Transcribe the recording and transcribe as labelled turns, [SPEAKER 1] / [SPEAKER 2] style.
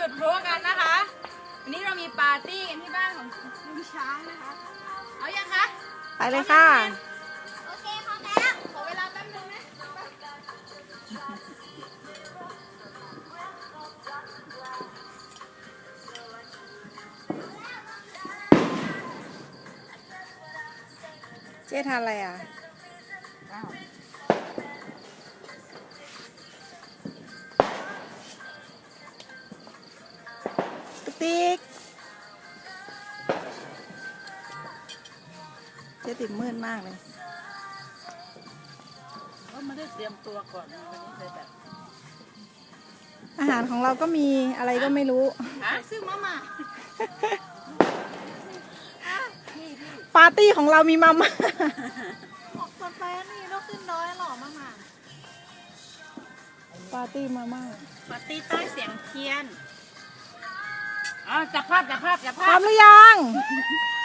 [SPEAKER 1] ดพลุกันนะคะวันนี้เรามีปาร์ตี้กันที่บ้านของลุงช้างนะคะเอายังคะ
[SPEAKER 2] ไปเลยค่ะ
[SPEAKER 1] โอเคพร้อมแล้วขอเวลาแป๊บนึงนะ
[SPEAKER 2] เจ๊ทานอะไรอ่ะติ๊กเจ๊ติดมืดมากเลย
[SPEAKER 3] ก็ไม่ได้เตรียมตัวก่อนวันนี้เลยแบบ
[SPEAKER 2] อาหารของเราก็มีอะไรก็ไม่รู้
[SPEAKER 1] ซื้อมาม่า
[SPEAKER 2] ปาร์ตี้ของเรามีมาม่า
[SPEAKER 1] บอกกาแฟนี่เราขึ้นน้อยหรอมาม่า
[SPEAKER 2] ปาร์ตี้มาม่า
[SPEAKER 1] ปาร์ตี้ใต้เสียงเทียน
[SPEAKER 3] จับภาพ
[SPEAKER 2] พร้อมหรือยัง